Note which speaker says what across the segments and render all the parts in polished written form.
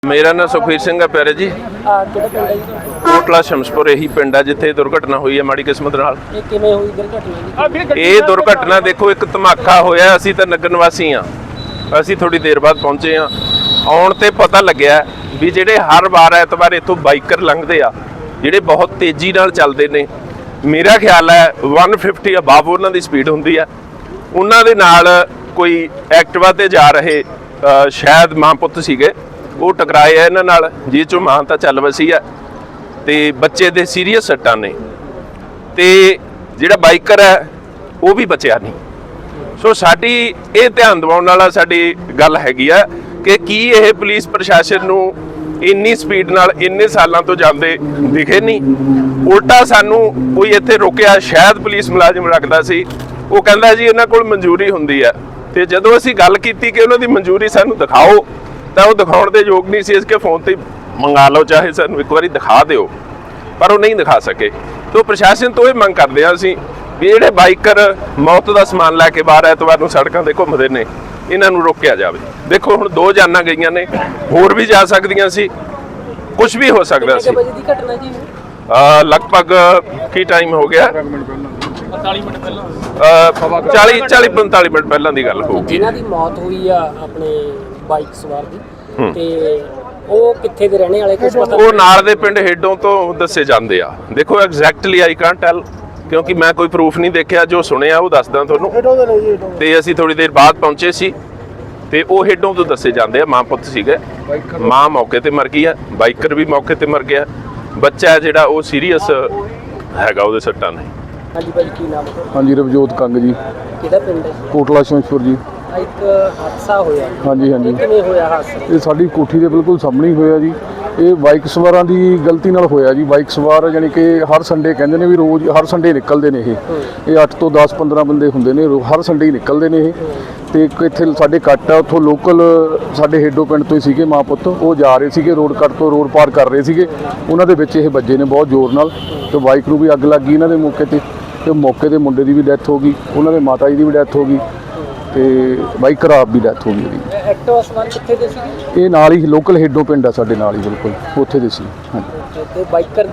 Speaker 1: मेरा नाम सुखवीर सिंह है प्यारे जी। कोटला शमसपुर यही पिंड है जिथे दुर्घटना हुई है माड़ी किस्मत नाल। ये दुर्घटना देखो एक धमाका होया, असीं तां नगर निवासी हाँ, असीं थोड़ी देर बाद पहुंचे हाँ। आउण ते पता लग्या भी जिहड़े हर वार एतवार इत्थों बाइकर लंघदे आ जिहड़े बहुत तेजी नाल चलदे ने, मेरा ख्याल है 150 अबाव उन्हां दी स्पीड हुंदी है। उन्हां दे नाल कोई एक्टिवा ते जा रहे शायद मां पुत्त सीगे, वो टकराए है इन्हां नाल, जिस चों मां तां चल वसी है ते बच्चे दे सीरीयस सट्टां ने ते जिहड़ा बाइकर है वो भी बचिया नहीं। सो साडी ये ध्यान दिवाउण वाला साडी गल हैगी है कि की ये पुलिस प्रशासन नूं इन्नी स्पीड नाल इन्ने सालों तो जाते दिखे नहीं, उल्टा सानू कोई इत्थे रोकिया, शायद पुलिस मुलाजिम रखदा सी, वो कहंदा जी इन्हां कोल मंजूरी हुंदी है। ते जदों असीं गल कीती कि उन्हां दी मंजूरी सानू दिखाओ तो वो दिखाउण दे योग नहीं सी, इसके फोन ते मंगा लो, चाहे सानू एक बारी दिखा दिओ, पर वो नहीं दिखा सके। तो प्रशासन तो ये मंग करदे आ असीं भी जिहड़े बाइकर मौत का समान लैके बाहर एतवार नूं सड़कां ते घुंमदे ने इन्हां नूं रोकिया जावे। देखो हुण 2 जानां गईयां ने, होर भी जा सकदियां सी, कुछ भी हो सकदा सी। लगभग की टाइम हो गया 40 मिनट पहला 40-45 मिनट पहलां दी गल होगी।
Speaker 2: जिन्हां दी मौत हुई आ अपने बाइक सवार दी ते ਉਹ ਕਿੱਥੇ ਦੇ ਰਹਿਣੇ ਵਾਲੇ ਕੁਝ ਪਤਾ?
Speaker 1: ਉਹ ਨਾਲ ਦੇ ਪਿੰਡ ਹੇਡੋਂ ਤੋਂ ਦੱਸੇ ਜਾਂਦੇ ਆ। ਦੇਖੋ ਐਗਜ਼ੈਕਟਲੀ ਆਈ ਕਾਂਟ ਟੈਲ ਕਿਉਂਕਿ ਮੈਂ ਕੋਈ ਪ੍ਰੂਫ ਨਹੀਂ ਦੇਖਿਆ, ਜੋ ਸੁਣਿਆ ਉਹ ਦੱਸਦਾ ਤੁਹਾਨੂੰ। ਤੇ ਅਸੀਂ ਥੋੜੀ ਦੇਰ ਬਾਅਦ ਪਹੁੰਚੇ ਸੀ ਤੇ ਉਹ ਹੇਡੋਂ ਤੋਂ ਦੱਸੇ ਜਾਂਦੇ ਆ, ਮਾਂ ਪੁੱਤ ਸੀਗੇ। ਮਾਂ ਮੌਕੇ ਤੇ ਮਰ ਗਈ ਆ, ਬਾਈਕਰ ਵੀ ਮੌਕੇ ਤੇ ਮਰ ਗਿਆ, ਬੱਚਾ ਜਿਹੜਾ ਉਹ ਸੀਰੀਅਸ ਹੈਗਾ, ਉਹਦੇ ਸੱਟਾਂ ਨੇ।
Speaker 2: ਹਾਂਜੀ ਭਾਈ ਕੀ ਨਾਮ ਹੈ?
Speaker 3: ਹਾਂਜੀ ਰਵਜੋਤ ਕੰਗ ਜੀ।
Speaker 2: ਕਿਹੜਾ ਪਿੰਡ ਹੈ?
Speaker 3: ਕੋਟਲਾ ਸ਼ਮਸਪੁਰ ਜੀ।
Speaker 2: ਇੱਕ ਹਾਦਸਾ ਹੋਇਆ।
Speaker 3: ਹਾਂਜੀ ਹਾਂਜੀ।
Speaker 2: ਕਿਵੇਂ ਹੋਇਆ ਹਾਦਸਾ? ਇਹ
Speaker 3: ਸਾਡੀ ਕੋਠੀ ਦੇ ਬਿਲਕੁਲ ਸਾਹਮਣੇ ਹੀ ਹੋਇਆ ਜੀ। ਇਹ ਬਾਈਕ ਸਵਾਰਾਂ ਦੀ ਗਲਤੀ ਨਾਲ ਹੋਇਆ ਜੀ। ਬਾਈਕ ਸਵਾਰ ਯਾਨੀ ਕਿ ਹਰ ਸੰਡੇ ਕਹਿੰਦੇ ਨੇ ਵੀ ਰੋਜ਼ ਹਰ ਸੰਡੇ ਨਿਕਲਦੇ ਨੇ ਇਹ 8 ਤੋਂ 10-15 ਬੰਦੇ ਹੁੰਦੇ ਨੇ, ਹਰ ਸੰਡੇ ਹੀ ਨਿਕਲਦੇ ਨੇ ਇਹ। ਤੇ ਇੱਥੇ ਸਾਡੇ ਕੱਟ ਆ, ਉੱਥੋਂ ਲੋਕਲ ਸਾਡੇ ਹੇਡੋ ਪਿੰਡ ਤੋਂ ਹੀ ਸੀਗੇ ਮਾਂ ਪੁੱਤ, ਉਹ ਜਾ ਰਹੇ ਸੀਗੇ ਰੋਡ ਕੱਟ ਤੋਂ, ਰੋਡ ਪਾਰ ਕਰ ਰਹੇ ਸੀਗੇ, ਉਹਨਾਂ ਦੇ ਵਿੱਚ ਇਹ ਵੱਜੇ ਨੇ ਬਹੁਤ ਜ਼ੋਰ ਨਾਲ ਤੇ ਬਾਈਕ ਨੂੰ ਵੀ ਅੱਗ ਲੱਗ ਗਈ ਇਹਨਾਂ ਦੇ ਮੌਕੇ ਤੇ ਮੌਕੇ ਦੇ ਮੁੰਡੇ ਦੀ ਵੀ ਡੈਥ ਹੋ ਗਈ, ਉਹਨਾਂ ਦੇ ਮਾਤਾ ਜੀ ਦੀ ਵੀ ਡੈਥ ਹੋ ਗਈ ਤੇ ਬਾਈਕਰ ਆਪ ਵੀ ਡੈਥ ਹੋ ਗਈ ਉਹਦੀ।
Speaker 2: ਐਕਟਿਵਾ ਸਵਾਰ ਕਿੱਥੇ ਦੇ ਸੀ?
Speaker 3: ਇਹ ਨਾਲ ਹੀ ਲੋਕਲ ਹੇਡੋ ਪਿੰਡ ਆ ਸਾਡੇ ਨਾਲ ਹੀ ਬਿਲਕੁਲ, ਉੱਥੇ ਦੇ ਸੀ। ਹਾਂਜੀ।
Speaker 2: ਤੇ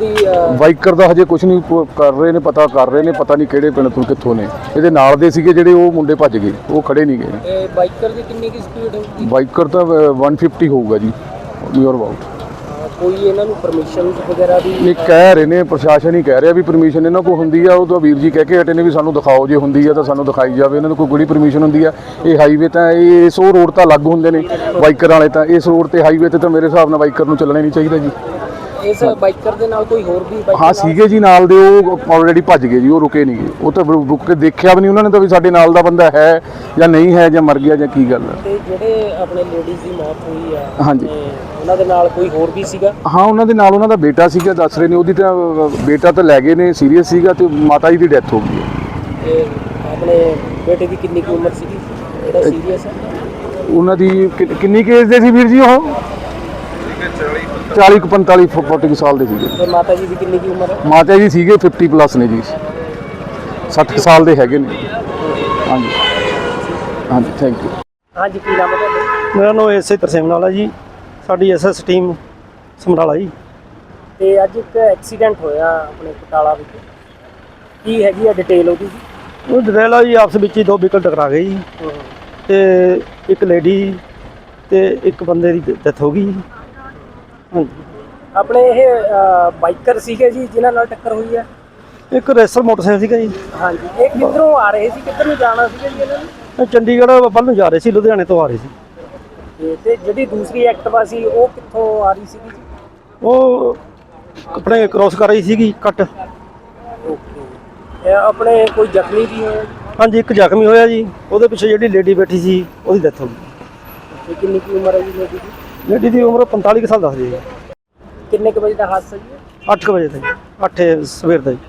Speaker 2: ਬਾਈਕਰ
Speaker 3: ਦਾ ਹਜੇ ਕੁਝ ਨਹੀਂ ਕਰ ਰਹੇ ਨੇ, ਪਤਾ ਕਰ ਰਹੇ ਨੇ, ਪਤਾ ਨਹੀਂ ਕਿਹੜੇ ਪਿੰਡ ਤੋਂ ਕਿੱਥੋਂ ਨੇ। ਇਹਦੇ ਨਾਲ ਦੇ ਸੀਗੇ ਜਿਹੜੇ, ਉਹ ਮੁੰਡੇ ਭੱਜ ਗਏ, ਉਹ ਖੜੇ ਨਹੀਂ ਗਏ।
Speaker 2: ਇਹ ਬਾਈਕਰ ਦੀ ਕਿੰਨੀ ਕੀ ਸਪੀਡ ਹੋਊਗੀ?
Speaker 3: ਬਾਈਕਰ ਤਾਂ 150 ਹੋਊਗਾ ਜੀ, ਨੀਅਰ ਅਬਾਊਟ।
Speaker 2: ਕੋਈ ਇਹਨਾਂ ਨੂੰ ਪਰਮਿਸ਼ਨ ਵਗੈਰਾ ਵੀ?
Speaker 3: ਇਹ ਕਹਿ ਰਹੇ ਨੇ, ਪ੍ਰਸ਼ਾਸਨ ਹੀ ਕਹਿ ਰਿਹਾ ਵੀ ਪਰਮਿਸ਼ਨ ਇਹਨਾਂ ਕੋਲ ਹੁੰਦੀ ਆ। ਉਹ ਤਾਂ ਵੀਰ ਜੀ ਕਹਿ ਕੇ ਹਟੇ ਨੇ ਵੀ ਸਾਨੂੰ ਦਿਖਾਓ, ਜੇ ਹੁੰਦੀ ਆ ਤਾਂ ਸਾਨੂੰ ਦਿਖਾਈ ਜਾਵੇ। ਇਹਨਾਂ ਨੂੰ ਕੋਈ ਕਿਹੜੀ ਪਰਮਿਸ਼ਨ ਹੁੰਦੀ ਆ? ਇਹ ਹਾਈਵੇ ਤਾਂ ਇਸ ਉਹ ਰੋਡ ਤਾਂ ਅਲੱਗ ਹੁੰਦੇ ਨੇ ਬਾਈਕਰ ਵਾਲੇ, ਤਾਂ ਇਸ ਰੋਡ ਤੇ ਹਾਈਵੇ ਤੇ ਤਾਂ ਮੇਰੇ ਹਿਸਾਬ ਨਾਲ ਬਾਈਕਰ ਨੂੰ ਚੱਲਣਾ ਨਹੀਂ ਚਾਹੀਦਾ ਜੀ।
Speaker 2: ਇਸ ਬਾਈਕਰ ਦੇ ਨਾਲ ਕੋਈ ਹੋਰ ਵੀ
Speaker 3: ਹਾਂ ਸੀਗੇ ਜੀ ਨਾਲ ਦੇ, ਉਹ ਆਲਰੇਡੀ ਭੱਜ ਗਏ ਜੀ, ਉਹ ਰੁਕੇ ਨਹੀਂ ਗਏ। ਉਹ ਤਾਂ ਰੁਕ ਕੇ ਦੇਖਿਆ ਵੀ ਨਹੀਂ ਉਹਨਾਂ ਨੇ ਤਾਂ ਵੀ ਸਾਡੇ ਨਾਲ ਦਾ ਬੰਦਾ ਹੈ ਜਾਂ ਨਹੀਂ ਹੈ, ਜਾਂ ਮਰ ਗਿਆ ਜਾਂ ਕੀ ਗੱਲ ਹੈ।
Speaker 2: ਤੇ ਜਿਹੜੇ ਆਪਣੇ ਲੇਡੀਜ਼ ਦੀ ਮੌਤ ਹੋਈ ਆ,
Speaker 3: ਹਾਂਜੀ,
Speaker 2: ਉਹਨਾਂ ਦੇ ਨਾਲ ਕੋਈ ਹੋਰ ਵੀ ਸੀਗਾ?
Speaker 3: ਹਾਂ ਉਹਨਾਂ ਦੇ ਨਾਲ ਉਹਨਾਂ ਦਾ ਬੇਟਾ ਸੀਗਾ, ਦੱਸ ਰਹੇ ਨੇ। ਉਹਦੀ ਤਾਂ ਬੇਟਾ ਤਾਂ ਲੈ ਗਏ ਨੇ, ਸੀਰੀਅਸ ਸੀਗਾ, ਤੇ ਮਾਤਾ ਜੀ ਦੀ ਡੈਥ ਹੋ ਗਈ ਹੈ।
Speaker 2: ਤੇ ਆਪਣੇ ਬੇਟੇ ਦੀ ਕਿੰਨੀ ਕੁ ਉਮਰ ਸੀਗੀ ਜਿਹੜਾ ਸੀਰੀਅਸ ਹੈ?
Speaker 3: ਉਹਨਾਂ ਦੀ ਕਿੰਨੀ ਕੇਸ ਦੇ ਸੀ ਵੀਰ ਜੀ? ਉਹ 40-45 ਸਾਲ ਦੇ ਸੀਗੇ।
Speaker 2: ਤੇ ਮਾਤਾ ਜੀ ਦੀ ਕਿੰਨੀ ਕੁ ਉਮਰ ਹੈ?
Speaker 3: ਮਾਤਾ ਜੀ ਸੀਗੇ 50 ਪਲੱਸ ਨੇ ਜੀ, 60 ਸਾਲ ਦੇ ਹੈਗੇ ਨੇ। ਹਾਂਜੀ ਹਾਂਜੀ, ਥੈਂਕ ਯੂ।
Speaker 2: ਹਾਂਜੀ ਕੀ ਨਾਮ ਹੈ ਤੁਹਾਡਾ?
Speaker 4: ਮੇਰਾ ਨਾਮ ਐਸਏ ਤਰਸੇਮ ਨਾਲ ਹੈ ਜੀ, ਸਾਡੀ ਐਸਐਸ ਟੀਮ ਸਮਰਾਲਾ ਜੀ।
Speaker 2: ਤੇ ਅੱਜ ਇੱਕ ਐਕਸੀਡੈਂਟ ਹੋਇਆ ਆਪਣੇ ਬਟਾਲਾ ਵਿੱਚ, ਕੀ ਹੈਗੀ ਆ ਡਿਟੇਲ ਉਹਦੀ?
Speaker 4: ਉਹ ਡਿਟੇਲ ਆ ਜੀ, ਆਪਸ ਵਿੱਚ ਹੀ 2 ਵਹੀਕਲ ਟਕਰਾ ਗਏ ਜੀ, ਤੇ ਇੱਕ ਲੇਡੀ ਤੇ ਇੱਕ ਬੰਦੇ ਦੀ ਡੈਥ ਹੋ ਗਈ ਜੀ। ਹਾਂਜੀ।
Speaker 2: ਆਪਣੇ ਇਹ ਬਾਈਕਰ ਸੀਗੇ ਜੀ ਜਿਨ੍ਹਾਂ ਨਾਲ ਟੱਕਰ ਹੋਈ ਹੈ?
Speaker 4: ਇੱਕ ਰੇਸਰ ਮੋਟਰਸਾਈਕਲ ਸੀਗਾ ਜੀ।
Speaker 2: ਹਾਂਜੀ। ਇਹ ਕਿੱਧਰੋਂ ਆ ਰਹੇ ਸੀ, ਕਿੱਧਰ ਨੂੰ ਜਾਣਾ ਸੀਗਾ ਜੀ ਇਹਨਾਂ ਨੇ?
Speaker 4: ਚੰਡੀਗੜ੍ਹ ਵੱਲ ਨੂੰ ਜਾ ਰਹੇ ਸੀ, ਲੁਧਿਆਣੇ ਤੋਂ ਆ ਰਹੇ ਸੀ।
Speaker 2: ਤੇ ਜਿਹੜੀ ਦੂਸਰੀ ਐਕਟਿਵਾ ਸੀ ਉਹ ਕਿੱਥੋਂ ਆ ਰਹੀ ਸੀਗੀ ਜੀ?
Speaker 4: ਉਹ ਆਪਣੇ ਕ੍ਰੋਸ ਕਰ ਰਹੀ ਸੀਗੀ ਕੱਟ।
Speaker 2: ਓਕੇ। ਆਪਣੇ ਕੋਈ ਜ਼ਖਮੀ ਵੀ ਹੋਇਆ?
Speaker 4: ਹਾਂਜੀ, ਇੱਕ ਜ਼ਖਮੀ ਹੋਇਆ ਜੀ, ਉਹਦੇ ਪਿੱਛੇ ਜਿਹੜੀ ਲੇਡੀ ਬੈਠੀ ਸੀ ਉਹਦੀ ਡੈਥ ਹੋ ਗਈ।
Speaker 2: ਕਿੰਨੀ ਕੁ ਉਮਰ ਹੈ ਜੀ ਲੇਡੀ ਦੀ?
Speaker 4: ਲੇਡੀ ਦੀ ਉਮਰ 45 ਸਾਲ ਦੱਸਦੀ ਹੈ।
Speaker 2: ਕਿੰਨੇ ਕੁ ਵਜੇ ਦਾ ਹਾਦਸਾ ਜੀ?
Speaker 4: 8 ਵਜੇ ਦਾ ਜੀ, 8 ਸਵੇਰ ਦਾ ਜੀ।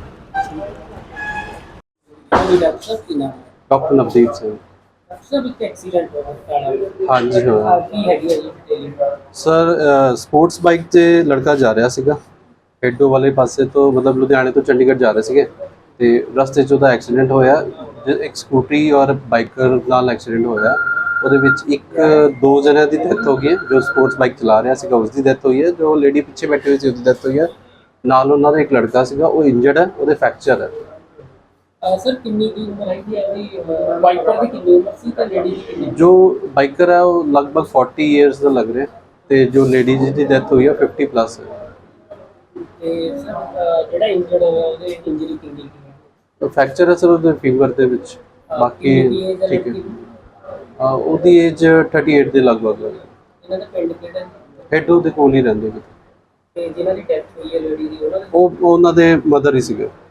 Speaker 5: डॉक्टर नवदीप सिंह।
Speaker 2: ਸਰ ਇੱਕ ਐਕਸੀਡੈਂਟ ਹੋਇਆ
Speaker 5: हाँ जी हाँ
Speaker 2: ਕੀ ਹੈਗੀ ਹੈ ਜੀ ਡਿਟੇਲਿੰਗ?
Speaker 5: सर स्पोर्ट्स बाइक ਤੇ ਲੜਕਾ ਜਾ ਰਿਹਾ ਸੀਗਾ ਹੈਡੋ ਵਾਲੇ ਪਾਸੇ ਤੋਂ, ਮਤਲਬ ਲੁਧਿਆਣੇ ਤੋਂ ਚੰਡੀਗੜ੍ਹ ਜਾ ਰਹੇ ਸੀਗੇ ਤੇ ਰਸਤੇ 'ਚ ਉਹਦਾ ਐਕਸੀਡੈਂਟ ਹੋਇਆ। ਇੱਕ ਸਕੂਟਰੀ ਔਰ ਬਾਈਕਰ ਨਾਲ ਐਕਸੀਡੈਂਟ ਹੋਇਆ। ਉਹਦੇ ਵਿੱਚ ਦੋ ਜਣਿਆਂ ਦੀ ਡੈਥ ਹੋ ਗਈ ਹੈ। ਜੋ ਸਪੋਰਟਸ ਬਾਈਕ ਚਲਾ ਰਿਹਾ ਸੀਗਾ ਉਸ ਦੀ ਡੈਥ ਹੋਈ ਹੈ। ਜੋ ਲੇਡੀ ਪਿੱਛੇ ਬੈਠੀ ਹੋਈ ਸੀ ਉਹਦੀ ਡੈਥ ਹੋਈ ਹੈ। ਨਾਲ ਉਹਨਾਂ ਦਾ ਇੱਕ ਲੜਕਾ ਸੀਗਾ, ਉਹ ਇੰਜਰਡ ਹੈ, ਉਹਦੇ ਫ੍ਰੈਕਚਰ ਹੈ।
Speaker 2: ਸਰ ਕਿੰਨੀ ਦੀ ਉਮਰ ਹੈਗੀ ਹੈ ਜੀ? ਬਾਈਕਰ ਦੀ ਕਿੰਨੀ ਉਮਰ ਸੀ ਤੇ ਲੇਡੀ ਦੀ ਕਿੰਨੀ?
Speaker 5: ਜੋ ਬਾਈਕਰ ਹੈ ਉਹ ਲਗਭਗ 40 ਇਅਰਸ ਦਾ ਲੱਗ ਰਿਹਾ ਤੇ ਜੋ ਲੇਡੀ ਦੀ ਡੈਥ ਹੋਈ ਹੈ 50 ਪਲੱਸ ਹੈ।
Speaker 2: ਤੇ ਸਰ ਜਿਹੜਾ ਇੰਜਰਡ ਹੋਇਆ ਉਹਦੇ ਇੰਜਰੀ ਕਿੰਨੀ ਕੀ ਹੈ?
Speaker 5: ਫ੍ਰੈਕਚਰ ਹੈ ਸਰ ਉਹਦੇ ਫਿੰਗਰ ਦੇ ਵਿੱਚ। ਬਾਕੀ ਠੀਕ ਹੈ। ਉਹਦੀ ਏਜ 38 ਦੇ ਲਗਭਗ ਹੈ।
Speaker 2: ਇਹਨਾਂ ਦਾ ਪਿੰਡ ਕਿਹੜਾ ਹੈ?
Speaker 5: ਹੈਡੋ ਦੇ ਕੋਲ ਹੀ ਰਹਿੰਦੇ ਨੇ।
Speaker 2: ਤੇ ਜਿਨ੍ਹਾਂ ਦੀ ਡੈਥ ਹੋਈ ਹੈ ਲੇਡੀ ਦੀ,
Speaker 5: ਉਹ ਉਹਨਾਂ ਦੇ ਮਦਰ ਹੀ ਸੀਗੇ।